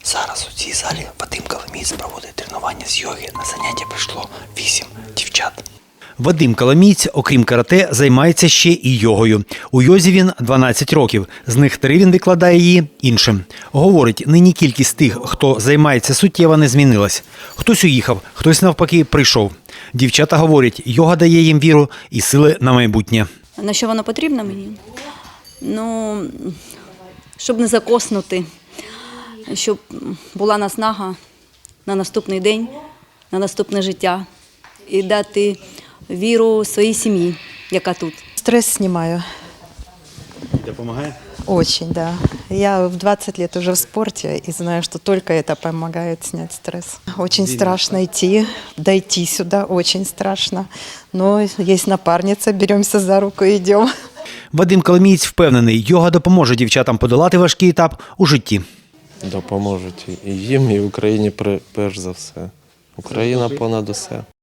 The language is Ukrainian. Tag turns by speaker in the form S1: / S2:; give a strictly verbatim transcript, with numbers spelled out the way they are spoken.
S1: Зараз у цій залі Вадим Коломієць проводить тренування з йоги. На заняття прийшло вісім дівчат. Вадим Коломієць, окрім карате, займається ще і йогою. У йозі він дванадцять років, з них три він викладає її іншим. Говорить, нині кількість тих, хто займається, суттєво не змінилась. Хтось уїхав, хтось навпаки прийшов. Дівчата говорять, йога дає їм віру і сили на майбутнє.
S2: На що воно потрібно мені? Ну, щоб не закоснути, щоб була наснага на наступний день, на наступне життя і дати віру своїй сім'ї, яка тут.
S3: Стресс снимаю.
S1: Допомагає?
S3: Очень, да. Я в двадцать лет уже в спорте и знаю, что только это помогает снять стресс. Очень страшно идти, дойти сюда, очень страшно. Но есть напарница, беремся за руку и идем.
S1: Вадим Коломієць впевнений, йога допоможе дівчатам подолати важкий етап у житті.
S4: Допоможуть і їм, і Україні перш за все. Україна понад усе.